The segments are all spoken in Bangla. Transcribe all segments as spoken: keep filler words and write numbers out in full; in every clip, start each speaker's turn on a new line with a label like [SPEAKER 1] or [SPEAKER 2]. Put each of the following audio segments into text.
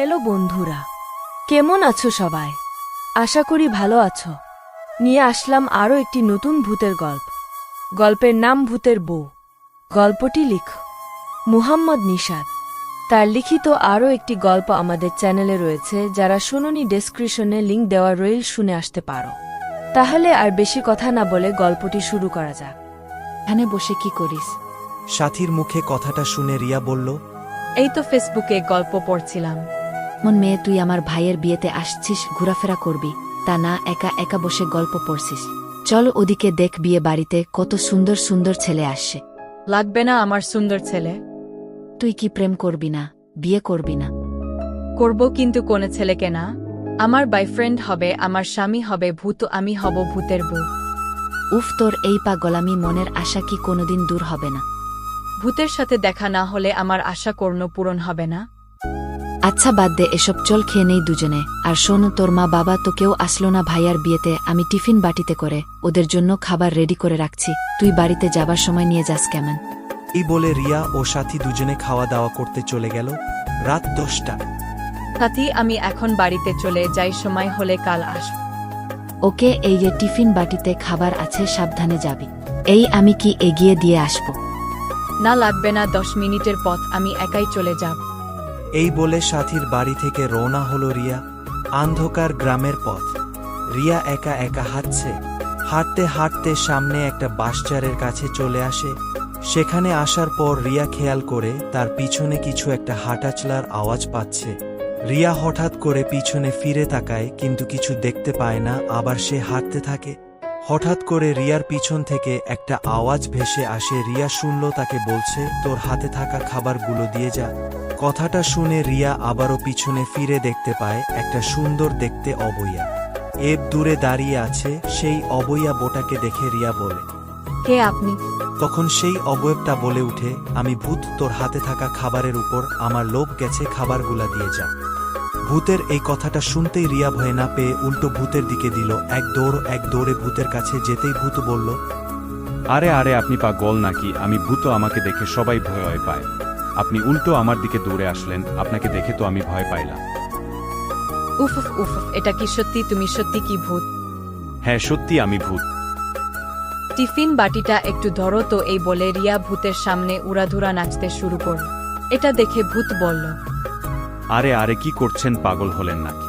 [SPEAKER 1] হ্যালো বন্ধুরা, কেমন আছো সবাই? আশা করি ভালো আছো। নিয়ে আসলাম আরও একটি নতুন ভূতের গল্প। গল্পের নাম ভূতের বউ। গল্পটি লিখ মুহাম্মদ নিশাদ। তার লিখিত আরও একটি গল্প আমাদের চ্যানেলে রয়েছে, যারা শোনোনি ডেসক্রিপশনে লিঙ্ক দেওয়া রইল, শুনে আসতে পারো। তাহলে আর বেশি কথা না বলে গল্পটি শুরু করা যাক।
[SPEAKER 2] এখানে বসে কি করিস?
[SPEAKER 3] সাথীর মুখে কথাটা শুনে রিয়া বলল,
[SPEAKER 1] এই তো ফেসবুকে গল্প পড়ছিলাম।
[SPEAKER 2] মন মেয়ে, তুই আমার ভাইয়ের বিয়েতে আসছিস, ঘোরাফেরা করবি, তা না একা একা বসে গল্প পড়ছিস। চল ওদিকে দেখ, বিয়ে বাড়িতে কত সুন্দর সুন্দর ছেলে আসছে।
[SPEAKER 1] লাগবে না আমার সুন্দর ছেলে।
[SPEAKER 2] তুই কি প্রেম করবি না, বিয়ে করবি না?
[SPEAKER 1] করব, কিন্তু কোন ছেলেকে না। আমার বয়ফ্রেন্ড হবে, আমার স্বামী হবে ভূত, আমি হব ভূতের বউ।
[SPEAKER 2] উফ, তোর এই পাগলামি মনের আশা কি কোনোদিন দূর হবে না?
[SPEAKER 1] ভূতের সাথে দেখা না হলে আমার আশা কোনো পূরণ হবে না।
[SPEAKER 2] আচ্ছা বাদ দে এসব, চল খেয়ে নেই দুজনে। আর শোন, তোর মা বাবা তো কেউ আসলো না ভাইয়ার বিয়েতে, আমি টিফিন বাটিতে করে ওদের জন্য খাবার রেডি করে রাখছি, তুই বাড়িতে যাবার সময় নিয়ে যাস কেমন?
[SPEAKER 3] এই বলে রিয়া ও সাথী দুজনে খাওয়া দাওয়া করতে চলে গেল। রাত দশটা।
[SPEAKER 1] সাথী, আমি এখন বাড়িতে চলে যাই, সময় হলে কাল আসব।
[SPEAKER 2] ওকে, এই যে টিফিন বাটিতে খাবার আছে, সাবধানে যাবি। এই আমি কি এগিয়ে দিয়ে আসব?
[SPEAKER 1] না লাগবে না, দশ মিনিটের পথ, আমি একাই চলে যাব।
[SPEAKER 3] এই বলে সাথীর বাড়ি থেকে রওনা হলো রিয়া। অন্ধকার গ্রামের পথ। রিয়া একা একা হাঁটছে। হাঁটতে হাঁটতে সামনে একটা বাসচারের কাছে চলে আসে। সেখানে আসার পর রিয়া খেয়াল করে তার পিছনে কিছু একটা হাঁটাচলার আওয়াজ পাচ্ছে। রিয়া হঠাৎ করে পিছনে ফিরে তাকায়, কিন্তু কিছু দেখতে পায় না। আবার সে হাঁটতে থাকে। হঠাৎ করে রিয়ার পিছন থেকে একটা আওয়াজ ভেসে আসে। রিয়া শুনল তাকে বলছে, তোর হাতে থাকা খাবারগুলো দিয়ে যা। কথাটা শুনে রিয়া আবারও পিছনে ফিরে দেখতে পায় একটা সুন্দর দেখতে অবইয়া এব দূরে দাঁড়িয়ে আছে। সেই অবইয়া বোটাকে দেখে রিয়া বলে,
[SPEAKER 1] কে আপনি?
[SPEAKER 3] তখন সেই অবয়বটা বলে উঠে, আমি ভূত, তোর হাতে থাকা খাবারের উপর আমার লোভ গেছে, খাবারগুলা দিয়ে যা। ভূতের এই কথাটা শুনতেই রিয়া ভয় না পেয়ে উল্টো ভূতের দিকে দিল এক দৌড়। এক দৌড়ে ভূতের কাছে যেতেই ভূত বলল,
[SPEAKER 4] আরে আরে আপনি পাগল নাকি? আমি ভূত, আমাকে দেখে সবাই ভয় পায়, আপনি উল্টো আমার দিকে দৌড়ে আসলেন, আপনাকে দেখে তো আমি ভয় পাইলাম।
[SPEAKER 1] উফ উফ উফ, এটা কি সত্যি? তুমি সত্যি কি ভূত?
[SPEAKER 4] হ্যাঁ সত্যি আমি ভূত।
[SPEAKER 1] টিফিন বাটিটা একটু ধরো তো। এই বলে রিয়া ভূতের সামনে উড়াধুরা নাচতে শুরু করল। এটা দেখে ভূত বলল,
[SPEAKER 4] আরে আরে কি করছেন, পাগল হলেন নাকি?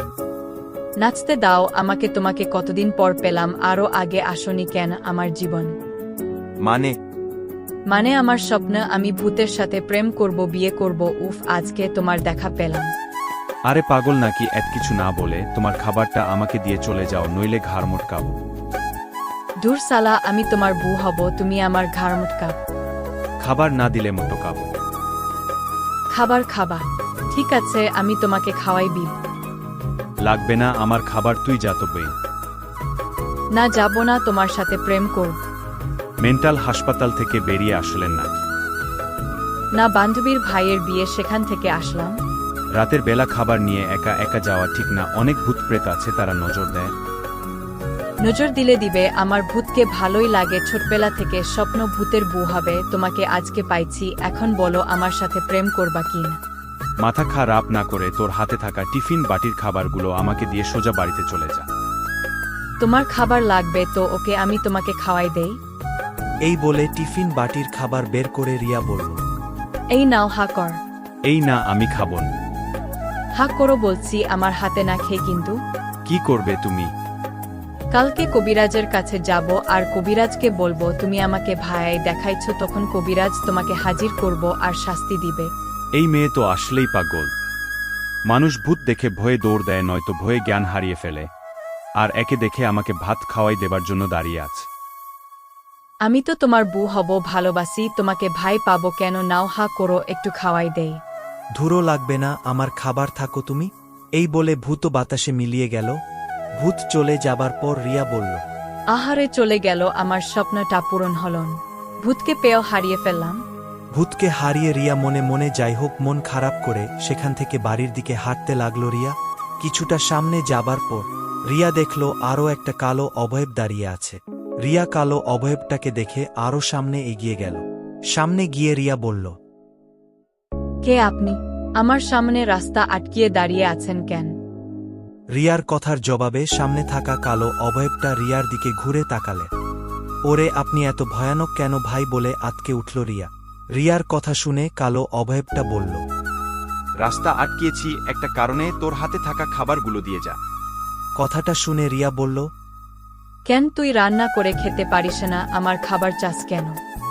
[SPEAKER 1] নাচতে দাও আমাকে, তোমাকে কতদিন পর পেলাম, আরও আগে আসনি কেন আমার জীবন?
[SPEAKER 3] মানে
[SPEAKER 1] মানে আমার স্বপ্ন, আমি ভূতের সাথে প্রেম করব, বিয়ে করব। উফ, আজকে তোমার দেখা পেলাম।
[SPEAKER 4] আরে পাগল নাকি? এত কিছু না বলে তোমার খাবারটা আমাকে দিয়ে চলে যাও, নইলে ঘাড় মোটকাবো।
[SPEAKER 1] দূর সালা, আমি তোমার বউ হব, তুমি আমার ঘাড় মুটকা।
[SPEAKER 4] খাবার না দিলে মোটকাবো।
[SPEAKER 1] খাবার খাবা? ঠিক আছে, আমি তোমাকে খাওয়াই দিব।
[SPEAKER 4] লাগবে না আমার খাবার, তুই যা তো বেই।
[SPEAKER 1] না, যাব না, তোমার সাথে প্রেম করব।
[SPEAKER 4] মেন্টাল হাসপাতাল থেকে বেরিয়ে আসলেন নাকি?
[SPEAKER 1] না, বান্ধবীর ভাইয়ের বিয়ে, সেখান থেকে আসলাম।
[SPEAKER 4] রাতের বেলা খাবার নিয়ে একা একা যাওয়া ঠিক না, অনেক ভূত প্রেত আছে, তারা নজর দেয়।
[SPEAKER 1] নজর দিলে দিবে, আমার ভূতকে ভালোই লাগে, ছোটবেলা থেকে স্বপ্ন ভূতের বউ হবে। তোমাকে আজকে পাইছি, এখন বলো আমার সাথে প্রেম করবা কি না?
[SPEAKER 4] মাথা খারাপ না করে তোর হাতে থাকা টিফিন বাটির খাবারগুলো আমাকে দিয়ে সোজা বাড়িতে চলে যা।
[SPEAKER 1] তোমার খাবার লাগবে তো ওকে, আমি তোমাকে খাওয়াই দেই।
[SPEAKER 3] এই বলে টিফিন বাটির খাবার বের করে রিয়া বলল,
[SPEAKER 1] এই নাও, হা কর।
[SPEAKER 4] এই না, আমি খাবো না।
[SPEAKER 1] হা করো বলছি, আমার হাতে না খেয়ে কিন্তু।
[SPEAKER 4] কি করবে তুমি?
[SPEAKER 1] কালকে কবিরাজের কাছে যাব, আর কবিরাজকে বলবো তুমি আমাকে ভাই দেখাইছ, তখন কবিরাজ তোমাকে হাজির করব আর শাস্তি দিবে।
[SPEAKER 4] এই মেয়ে তো আসলেই পাগল। মানুষ ভূত দেখে ভয়ে দৌড় দেয়, নয়তো ভয়ে জ্ঞান হারিয়ে ফেলে, আর একে দেখে আমাকে ভাত খাওয়াই দেবার জন্য দাঁড়িয়ে আছে।
[SPEAKER 1] আমি তো তোমার বউ হব, ভালোবাসি তোমাকে, ভাই পাবো কেন? নাও, হা করো, একটু খাওয়াই দেই।
[SPEAKER 3] ধুরো লাগবে না, আমার খাবার থাকো তুমি। এই বলে ভূত বাতাসে মিলিয়ে গেল। ভূত চলে যাবার পর রিয়া বলল,
[SPEAKER 1] আহারে চলে গেল, আমার স্বপ্নটা পূরণ হল না। ভূতকে পেয়েও হারিয়ে ফেললাম।
[SPEAKER 3] ভূতকে হারিয়ে রিয়া মনে মনে যাই হোক মন খারাপ করে সেখান থেকে বাড়ির দিকে হাঁটতে লাগলো রিয়া। কিছুটা সামনে যাবার পর রিয়া দেখল আরও একটা কালো অবয়ব দাঁড়িয়ে আছে। রিয়া কালো অবয়বটাকে দেখে আরও সামনে এগিয়ে গেল। সামনে গিয়ে রিয়া বলল,
[SPEAKER 1] কে আপনি?
[SPEAKER 5] আমার সামনে রাস্তা আটকিয়ে দাঁড়িয়ে আছেন কেন?
[SPEAKER 3] রিয়ার কথার জবাবে সামনে থাকা কালো অবয়বটা রিয়ার দিকে ঘুরে তাকালে। ওরে আপনি এত ভয়ানক কেন ভাই বলে আতকে উঠল রিয়া। রিয়ার কথা শুনে কালো অবয়বটা বলল,
[SPEAKER 4] রাস্তা আটকিয়েছি একটা কারণে, তোর হাতে থাকা খাবারগুলো দিয়ে যা।
[SPEAKER 3] কথাটা শুনে রিয়া বলল,
[SPEAKER 5] কেন তুই রান্না করে খেতে পারিস না, আমার খাবার চাস কেন?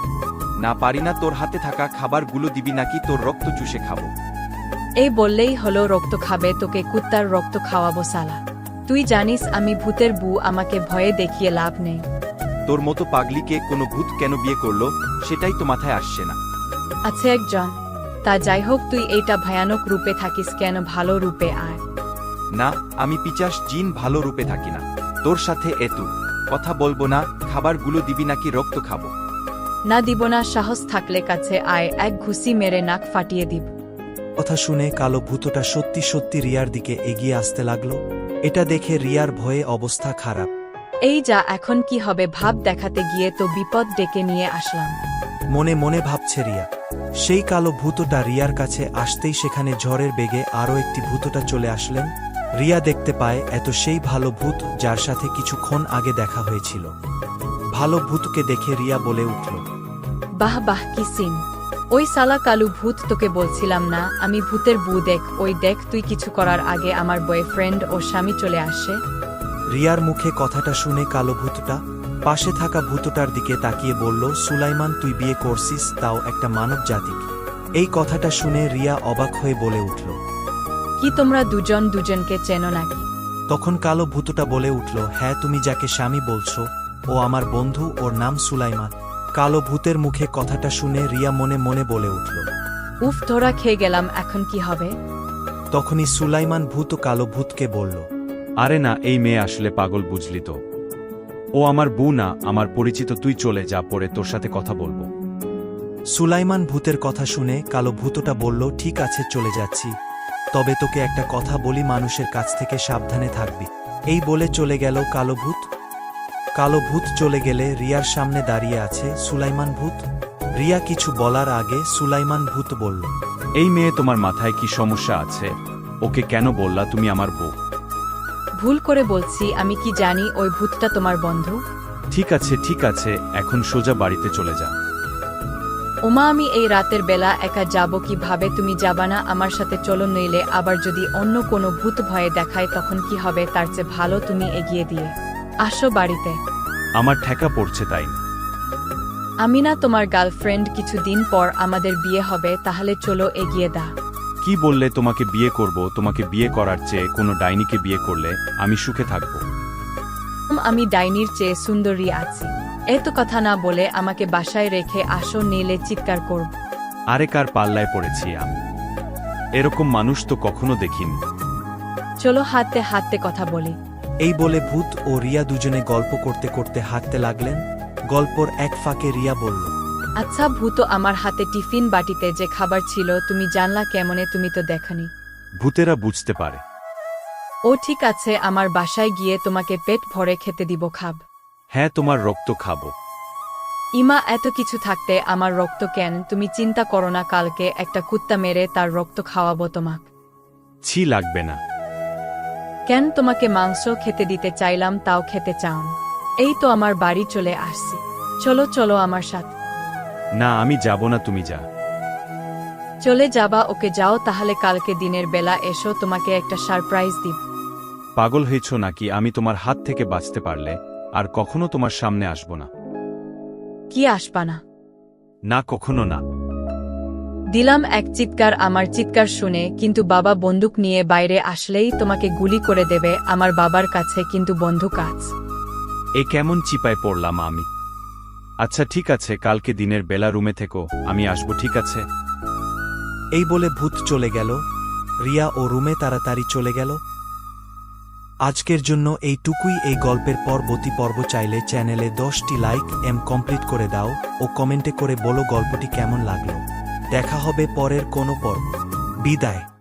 [SPEAKER 4] না পারি না, তোর হাতে থাকা খাবারগুলো দিবি নাকি তোর রক্ত চুষে খাবো?
[SPEAKER 5] এই বললেই হলো রক্ত খাবে, তোকে কুত্তার রক্ত খাওয়াবো সালা। তুই জানিস আমি ভূতের বউ, আমাকে ভয়ে দেখিয়ে লাভ নেই।
[SPEAKER 4] তোর মতো পাগলিকে কোনো ভূত কেন বিয়ে করলো সেটাই তো মাথায় আসছে না।
[SPEAKER 5] আছে একজন, তা যাই হোক, তুই এইটা ভয়ানক রূপে থাকিস কেন, ভালো রূপে আয়।
[SPEAKER 4] না, আমি পিচাস জিন, ভালো রূপে থাকি না। তোর সাথে এতু কথা বলবো না, খাবারগুলো দিবি নাকি রক্ত খাবো?
[SPEAKER 5] না দিব না, সাহস থাকলে কাছে আয়, এক ঘুষি মেরে নাক ফাটিয়ে দিব।
[SPEAKER 3] কথা শুনে কালো ভূতটা সত্যি সত্যি রিয়ার দিকে এগিয়ে আসতে লাগলো। এটা দেখে রিয়ার ভয়ে অবস্থা খারাপ।
[SPEAKER 5] এই যা, এখন কি হবে ভাব দেখাতে গিয়ে তো বিপদ ডেকে নিয়ে আসলাম।
[SPEAKER 3] মনে মনে ভাবছে রিয়া। সেই কালো ভূতটা রিয়ার কাছে আসতেই সেখানে ঝড়ের বেগে আরও একটি ভূতটা চলে আসলেন। রিয়া দেখতে পায় এত সেই ভালো ভূত যার সাথে কিছুক্ষণ আগে দেখা হয়েছিল। ভালো ভূতকে দেখে রিয়া বলে উঠল,
[SPEAKER 5] বাহ বাহ, কি সিন! ওই সালা কালু ভূত, তোকে বলছিলাম না আমি ভূতের বউ, দেখ ওই দেখ, তুই কিছু করার আগে আমার বয়ফ্রেন্ড ও স্বামী চলে আসে।
[SPEAKER 3] রিয়ার মুখে কথাটা শুনে কালো ভূতটা পাশে থাকা ভূতটার দিকে তাকিয়ে বলল, সুলাইমান তুই বিয়ে করছিস, তাও একটা মানব জাতিকে। এই কথাটা শুনে রিয়া অবাক হয়ে বলে উঠল,
[SPEAKER 5] কি তোমরা দুজন দুজনকে চেনো নাকি?
[SPEAKER 3] তখন কালো ভূতটা বলে উঠল, হ্যাঁ তুমি যাকে স্বামী বলছো ও আমার বন্ধু, ওর নাম সুলাইমান। কালো ভূতের মুখে কথাটা শুনে রিয়া মনে মনে বলে উঠল,
[SPEAKER 5] উফ, ধরা খেয়ে গেলাম, এখন কি হবে?
[SPEAKER 3] তখনই সুলাইমান ভূত কালো ভূতকে বলল,
[SPEAKER 4] আরে না, এই মেয়ে আসলে পাগল, বুঝলি তো। ও আমার বউ না, আমার পরিচিত, তুই চলে যা, পরে তোর সাথে কথা বলবো।
[SPEAKER 3] সুলাইমান ভূতের কথা শুনে কালো ভূতটা বলল, ঠিক আছে চলে যাচ্ছি, তবে তোকে একটা কথা বলি, মানুষের কাছ থেকে সাবধানে থাকবি। এই বলে চলে গেল কালো ভূত। কালো ভূত চলে গেলে রিয়ার সামনে দাঁড়িয়ে আছে সুলাইমান ভূত। রিয়া কিছু বলার আগে সুলাইমান ভূত বলল,
[SPEAKER 4] এই মেয়ে তোমার মাথায় কি সমস্যা আছে? ওকে কেন বললা তুমি আমার বউ?
[SPEAKER 5] ভুল করে বলছি, আমি কি জানি ওই ভূতটা তোমার বন্ধু?
[SPEAKER 4] ঠিক আছে ঠিক আছে, এখন সোজা বাড়িতে চলে যা।
[SPEAKER 5] ওমা, আমি এই রাতের বেলা একা যাব কিভাবে? তুমি যাবা না আমার সাথে? চলো, নইলে আবার যদি অন্য কোনো ভূত ভয়ে দেখায় তখন কি হবে? তার চেয়ে ভালো তুমি এগিয়ে দিয়ে আসো বাড়িতে।
[SPEAKER 4] আমার ঠেকা পড়ছে তাই।
[SPEAKER 5] আমি না তোমার গার্লফ্রেন্ড, কিছুদিন পর আমাদের বিয়ে হবে, তাহলে চলো এগিয়ে দা।
[SPEAKER 4] কি বললে? তোমাকে বিয়ে করব? তোমাকে বিয়ে করার চেয়ে কোনো ডাইনিকে বিয়ে করলে আমি সুখে থাকব।
[SPEAKER 5] আমি ডাইনির চেয়ে সুন্দরী আছি। এত কথা না বলে আমাকে বাসায় রেখে আসো, নিলে চিৎকার করব।
[SPEAKER 4] আরে কার পাল্লায় পড়েছি আমি? এরকম মানুষ তো কখনো দেখিনি।
[SPEAKER 5] চলো হাঁটতে হাঁটতে কথা বলি।
[SPEAKER 3] এই বলে ভূত ও রিয়া দুজনে গল্প করতে করতে হাঁটতে লাগলেন। গল্পর এক ফাঁকে রিয়া বলল,
[SPEAKER 5] আচ্ছা ভূত, আমার হাতে টিফিন বাটিতে যে খাবার ছিল তুমি জানলা কেমনে? তুমি তো দেখনি।
[SPEAKER 4] ভূতেরা বুঝতে পারে।
[SPEAKER 5] ও ঠিক আছে, আমার বাসায় গিয়ে তোমাকে পেট ভরে খেতে দিব, খাব।
[SPEAKER 4] হ্যাঁ, তোমার রক্ত খাবো।
[SPEAKER 5] ইমা, এত কিছু থাকতে আমার রক্ত কেন? তুমি চিন্তা করো না, কালকে একটা কুত্তা মেরে তার রক্ত খাওয়াবো তোমাক।
[SPEAKER 4] ছি, লাগবে না।
[SPEAKER 5] কেন? তোমাকে মাংস খেতে দিতে চাইলাম, তাও খেতে চাও? এই তো আমার বাড়ি চলে আসছি, চলো চলো আমার সাথে।
[SPEAKER 4] না, আমি যাব না, তুমি যা।
[SPEAKER 5] চলে যাবা? ওকে যাও তাহলে, কালকে দিনের বেলা এসো, তোমাকে একটা সারপ্রাইজ দিব।
[SPEAKER 4] পাগল হয়েছ নাকি? আমি তোমার হাত থেকে বাঁচতে পারলে আর কখনো তোমার সামনে আসব না।
[SPEAKER 5] কি আসবা না?
[SPEAKER 4] না, কখনো না।
[SPEAKER 5] দিলাম এক চিৎকার। আমার চিৎকার শুনে কিন্তু বাবা বন্দুক নিয়ে বাইরে আসলেই তোমাকে গুলি করে দেবে। আমার বাবার কাছে কিন্তু বন্দুক আছে।
[SPEAKER 4] এ কেমন চিপায় পড়লাম আমি? আচ্ছা ঠিক আছে, কালকে দিনের বেলা রুমে থেকো, আমি আসবো, ঠিক আছে?
[SPEAKER 3] এই বলে ভূত চলে গেল। রিয়া ও রুমে তাড়াতাড়ি চলে গেল। আজকের জন্য এইটুকুই। এই গল্পের পরবর্তী পর্ব চাইলে চ্যানেলে দশটি লাইক এম কমপ্লিট করে দাও ও কমেন্টে করে বলো গল্পটি কেমন লাগলো। দেখা হবে পরের কোনো পর্ব। বিদায়।